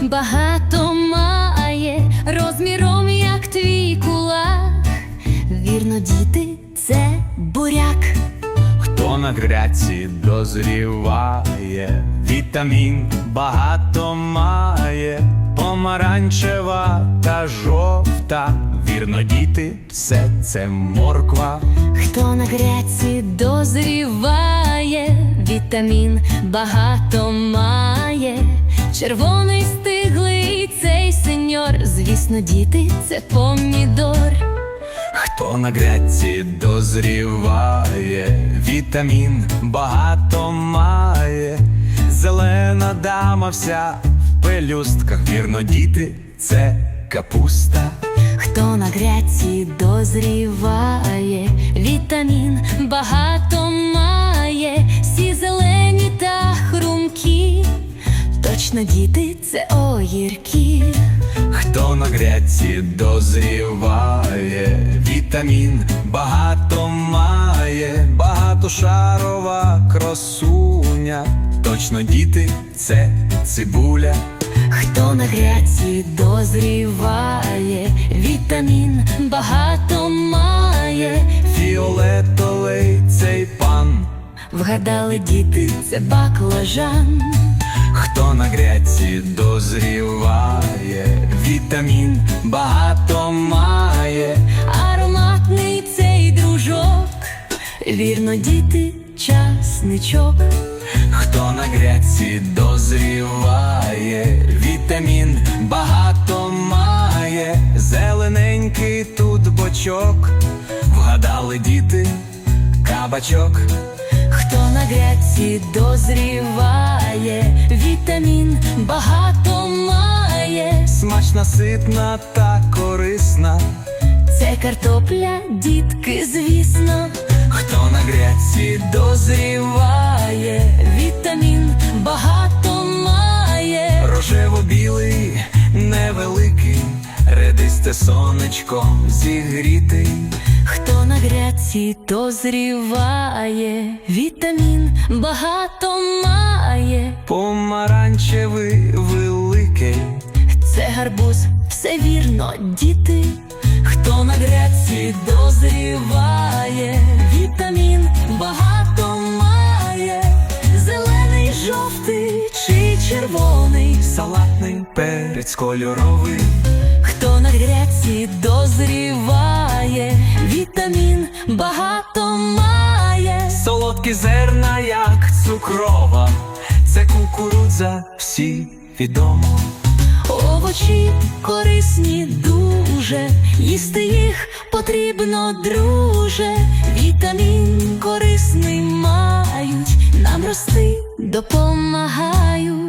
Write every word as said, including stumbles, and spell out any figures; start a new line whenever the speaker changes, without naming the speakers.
багато має, розміром як твій кулак. Вірно, діти, це буряк.
Хто на грядці дозріває, вітамін багато має, помаранчева та жовта. Вірно, діти, все це морква.
Хто на грядці дозріває, вітамін багато має, червоний стиглий цей сеньор. Звісно, діти, це помідор.
Хто на грядці дозріває, вітамін багато має, зелена дама вся в пелюстках. Вірно, діти, це капуста.
Хто на грядці дозріває, вітамін багато має, всі зелені та хрумкі. Точно, діти, це огірки.
Хто на грядці дозріває, вітамін багато має, багатошарова красуня. Точно, діти, це цибуля.
Хто на грядці дозріває, вітамін багато має,
Фіолетовий цей пан.
вгадали, діти, це баклажан.
Хто на грядці дозріває, вітамін багато має,
Ароматний цей дружок, вірно, діти, часничок.
хто на грядці дозріває, вітамін багато має, зелененький тут бочок. Вгадали, діти, кабачок.
Хто на грядці дозріває, вітамін багато має,
Смачна, ситна та корисна.
це картопля, дітки, звісно.
Хто на грядці
Дозріває, вітамін багато має,
рожево-білий, невеликий, редисте сонечком зігрітий.
хто на грядці дозріває, вітамін багато має,
Помаранчевий великий.
це гарбуз, все вірно, діти. Хто на грядці дозріває, вітамін багато має, зелений, жовтий чи червоний,
Салатний перець кольоровий.
хто на грядці дозріває, вітамін багато має,
Солодкі зерна, як цукрова, це кукурудза, всі відомо.
овочі корисні дуже, їсти їх потрібно, друже. Вітамін корисний мають, нам рости допомагають.